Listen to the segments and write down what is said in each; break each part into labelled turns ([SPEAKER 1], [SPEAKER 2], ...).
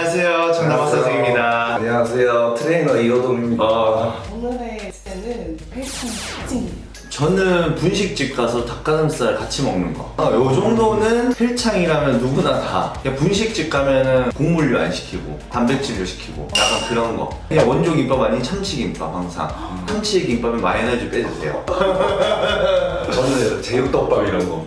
[SPEAKER 1] 안녕하세요. 정남학사생입니다.
[SPEAKER 2] 안녕하세요. 트레이너 이호동입니다.
[SPEAKER 3] 오늘의 주제는 헬창 특징이에요.
[SPEAKER 1] 저는 분식집 가서 닭가슴살 같이 먹는 거. 요 정도는 헬창이라면 누구나 다. 그냥 분식집 가면은 국물류 안 시키고 단백질류 시키고 약간 그런 거. 그냥 원조 김밥 아닌 참치 김밥 항상. 참치 김밥에 마요네즈 빼주세요.
[SPEAKER 2] 저는 제육덮밥 이런 거.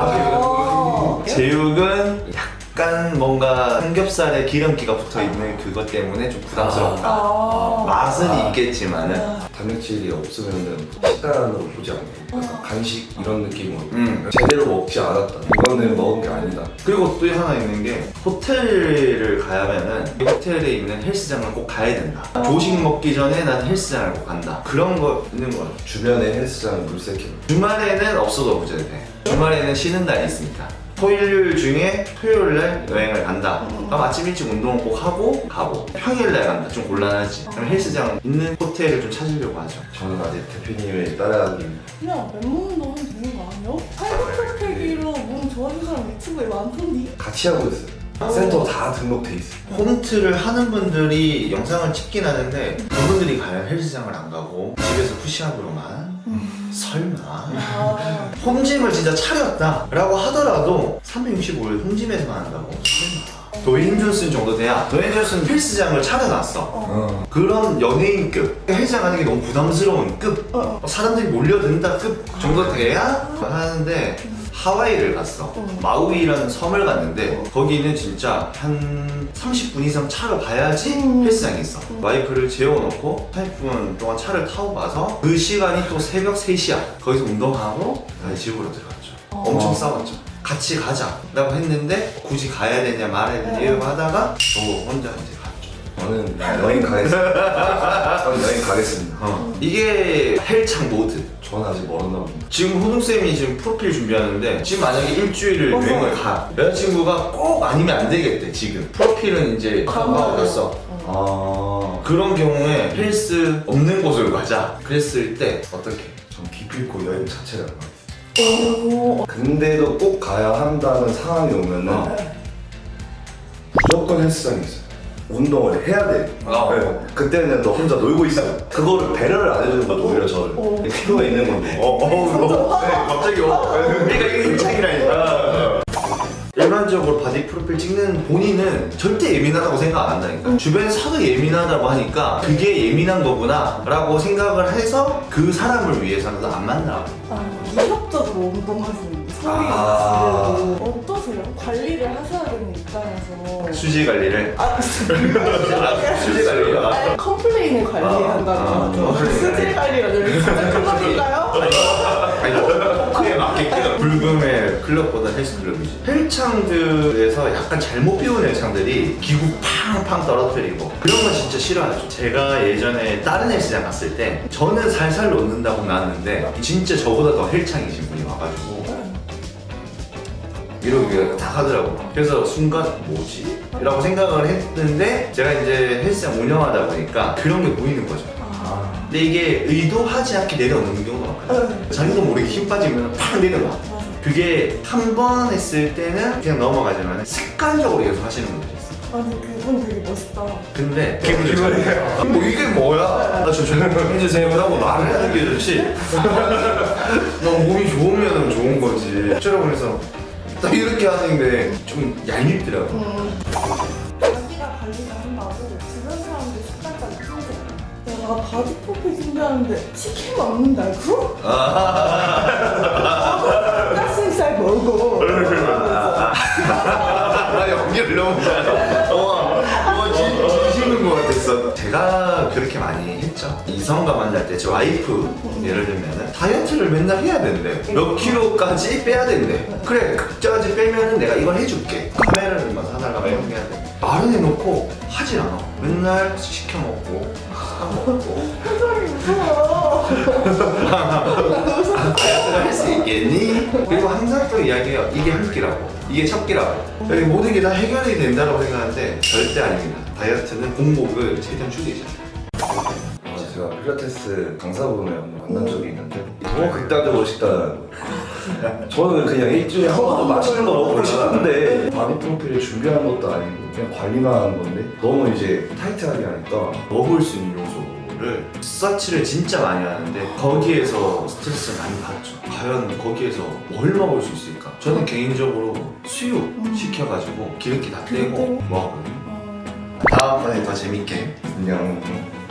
[SPEAKER 1] 제육은 약간 뭔가 삼겹살에 기름기가 붙어있는 그것 때문에 좀 부담스럽다. 맛은 있겠지만은
[SPEAKER 2] 단백질이 없으면은 식단으로 보지 않고 약간 간식 이런 느낌으로 제대로 먹지 않았다. 이거는 먹은 게 아니다.
[SPEAKER 1] 그리고 또 하나 있는 게 호텔을 가면은 이 호텔에 있는 헬스장을 꼭 가야 된다. 조식 먹기 전에 난 헬스장을 꼭 간다. 그런 거 있는 거 같아요.
[SPEAKER 2] 주변에 헬스장 물색해.
[SPEAKER 1] 주말에는 없어도 문제돼. 주말에는 쉬는 날이 있으니까. 토요일 중에 토요일날 여행을 간다. 그럼 아침 일찍 운동을 꼭 하고 가고 평일날 간다. 좀 곤란하지. 그럼 헬스장 있는 호텔을 좀 찾으려고 하죠.
[SPEAKER 2] 저는 아직 대표님을 따라가기.
[SPEAKER 3] 그냥 맨몸 운동 하면 되는 거 아니야? 팔굽혀펴기로 몸 좋아하는 사람 유튜브에 많던데?
[SPEAKER 2] 같이 하고 있어요. 센터 다 등록돼 있어.
[SPEAKER 1] 홈트를 하는 분들이 영상을 찍긴 하는데 그분들이 과연 헬스장을 안 가고 집에서 푸시업으로만 설마 홈짐을 진짜 차렸다 라고 하더라도 365일 홈짐에서만 한다고? 설마 도웨인 존슨 정도 돼야 도웨인 존슨 헬스장을 차려놨어. 그런 연예인급 헬스장 가는 게 너무 부담스러운 급 사람들이 몰려든다 급 정도 돼야 하는데 하와이를 갔어. 마우이라는 섬을 갔는데 거기는 진짜 한 30분 이상 차를 가야지 헬스장이 있어. 와이프를 재워놓고 30분 동안 차를 타고 가서 그 시간이 또 새벽 3시야. 거기서 운동하고 다시 집으로 들어갔죠. 엄청 싸웠죠. 같이 가자 라고 했는데 굳이 가야 되냐 말아야 되냐 하다가 저 혼자 이제 갔죠.
[SPEAKER 2] 저는 여행 가겠습니다. 저는 여행 가겠습니다.
[SPEAKER 1] 이게 헬창 모드.
[SPEAKER 2] 저는 아직 멀었나 봅니다.
[SPEAKER 1] 지금 호동쌤이 지금 프로필 준비하는데 지금 만약에 일주일을 여행을 가 여자친구가 꼭 아니면 안 되겠대. 지금 프로필은 이제 가봤어. 그런 경우에 헬스 없는 곳을 가자 그랬을 때 어떻게?
[SPEAKER 2] 전 기필코 여행 자체를 안 가겠습니다. 근데도 꼭 가야 한다는 상황이 오면은 무조건 헬스장이 있어요. 운동을 해야 돼. 네. 그때는 너 혼자 놀고 있어. 그거를 배려를 안 해주는 것도 오히려 저를 필요가 있는 건데.
[SPEAKER 1] 갑자기 그러니까 이게 헬창이라니까. 일반적으로 바디 프로필 찍는 본인은 절대 예민하다고 생각 안 한다니까. 주변에서 예민하다고 하니까 그게 예민한 거구나 라고 생각을 해서 그 사람을 위해서는 안 만나.
[SPEAKER 3] 이협적으로 운동하시는 소리가 지금 어떠세요? 관리를 하셔야 되는 입장에서
[SPEAKER 1] 수지 관리를. 수지 관리가.
[SPEAKER 3] 컴플레인을 관리한다는 거죠. 수질 관리가 진짜 클럽인가요?
[SPEAKER 1] 그에 맞게끔 불금의 클럽보다 헬스클럽이지. 헬창들에서 약간 잘못 배운 헬창들이 기구 팡팡 떨어뜨리고 그런 건 진짜 싫어하죠. 제가 예전에 다른 헬스장 갔을 때 저는 살살 놓는다고 나왔는데 진짜 저보다 더 헬창이신 분이 와가지고 이러고 다 하더라고. 그래서 순간 뭐지? 라고 생각을 했는데 제가 이제 헬스장 운영하다 보니까 그런 게 보이는 거죠. 근데 이게 의도하지 않게 내려오는 경우가 많거든요. 자기도 모르게 힘 빠지면 팍 내려와. 그게 한 번 했을 때는 그냥 넘어가지만 습관적으로 계속 하시는 분들이 있어요.
[SPEAKER 3] 아니 그분 되게 멋있다.
[SPEAKER 1] 근데 기분이 좋아요. 뭐 이게 뭐야? 나 좀 해주세요 라고 말을 하는 게 좋지. 너 몸이 좋으면 좋은 거지. 어쩌라고 그래서 딱 이렇게 하는데 좀 얄밉더라고.
[SPEAKER 3] 자기가 관리를 한다고 주변 사람들 습관까지 풀잖아. 내가 바디 프로필 준비하는데 치킨 먹는다 알고? 닭가슴살 먹어.
[SPEAKER 1] 나 연기를 너무 잘해. 진심인 것 같았어. 제가 그렇게 많이 했죠. 이성과 만날 때 제 와이프 예를 들면 다이어트를 맨날 해야 된대. 몇 킬로까지 빼야 된대. 그래 그까지 빼면은 내가 이걸 해줄게. 카메라를 막 사달라고 이렇게 해야 돼. 말은 해놓고 하질 않아. 맨날 시켜 먹고 사 먹고.
[SPEAKER 3] 표정이 무서워.
[SPEAKER 1] 할 수 있겠니? 그리고 항상 또 이야기해요. 이게 한 끼라고. 이게 첫 끼라고. 여기 모든 게 다 해결이 된다고 생각하는데 절대 아닙니다. 다이어트는 공복을 최대한 줄이잖아요.
[SPEAKER 2] 제가 필라테스 강사분을 한번 만난 적이 있는데 너무 극단적으로 식단하는 거예요. 저는 그냥 일주일에 한 번도 맛있는 거 먹고 싶은데 바디 프로필을 준비하는 것도 아니고 그냥 관리만 하는 건데 너무 이제 타이트하게 하니까
[SPEAKER 1] 먹을 수 있는 요소를 서치를 진짜 많이 하는데 거기에서 스트레스를 많이 받죠. 과연 거기에서 뭘 먹을 수 있을까? 저는 개인적으로 수육 시켜가지고 기름기 다 떼고 먹거든요. 다음번에 더 재밌게
[SPEAKER 2] 그냥